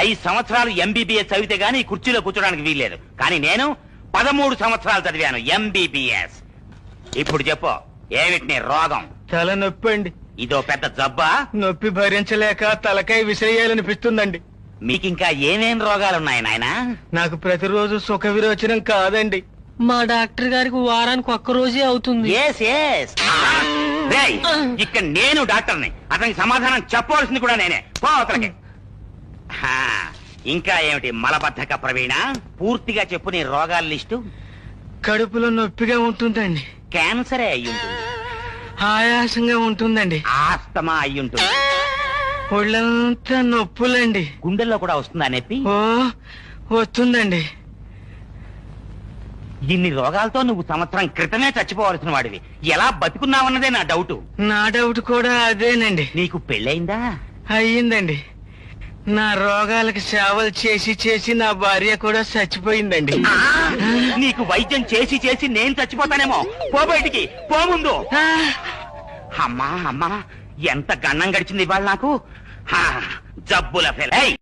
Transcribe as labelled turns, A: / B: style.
A: 5 సంవత్సరాలు ఎంబీబీఎస్ చదివితే గానీ ఈ కుర్చీలో కూర్చోడానికి వీల్లేదు. కానీ నేను 13 సంవత్సరాలు చదివాను ఎంబీబీఎస్. ఇప్పుడు చెప్పు, ఏమిటి నీ రోగం?
B: తల నొప్పి అండి.
A: ఇదో పెద్ద జబ్బా?
B: నొప్పి భరించలేక తలకాయ విసిరేయాలనిపిస్తుందండి.
A: మీకింకా ఏమేం రోగాలున్నాయి నాయనా?
B: నాకు ప్రతిరోజు సుఖ విరోచనం కాదండి.
C: మా డాక్టర్ గారికి వారానికి ఒక్క రోజే అవుతుంది.
A: ఇక్కడ నేను డాక్టర్ని, అతనికి సమాధానం చెప్పవలసింది కూడా నేనే. పో అతనికి. ఇంకా ఏమిటి మలబద్ధక ప్రవీణ? పూర్తిగా చెప్పు నీ రోగాల లిస్టు.
B: కడుపులో నొప్పిగా ఉంటుందండి.
A: క్యాన్సరే అయ్యుంటుంది.
B: ఆయాసంగా ఉంటుందండి.
A: ఆస్తమా అయ్యుంటుంది.
B: ఒళ్ళంతా నొప్పులండి.
A: గుండెల్లో కూడా వస్తుందా నొప్పి?
B: ఓ వస్తుందండి.
A: ఇన్ని రోగాలతో నువ్వు సంవత్సరం క్రితమే చచ్చిపోవలసిన వాడివి. ఎలా బతుకున్నావన్నదే నా డౌట్.
B: నా డౌట్ కూడా అదేనండి.
A: నీకు పెళ్ళయిందా?
B: అయ్యిందండి. నా రోగాలకు సేవలు చేసి చేసి నా భార్య కూడా చచ్చిపోయిందండి.
A: నీకు వైద్యం చేసి చేసి నేను చచ్చిపోతానేమో. పో బయటికి, పో ముందు. అమ్మా అమ్మా, ఎంత గన్నం గడిచింది ఇవాళ నాకు. జబ్బుల ఫెల్.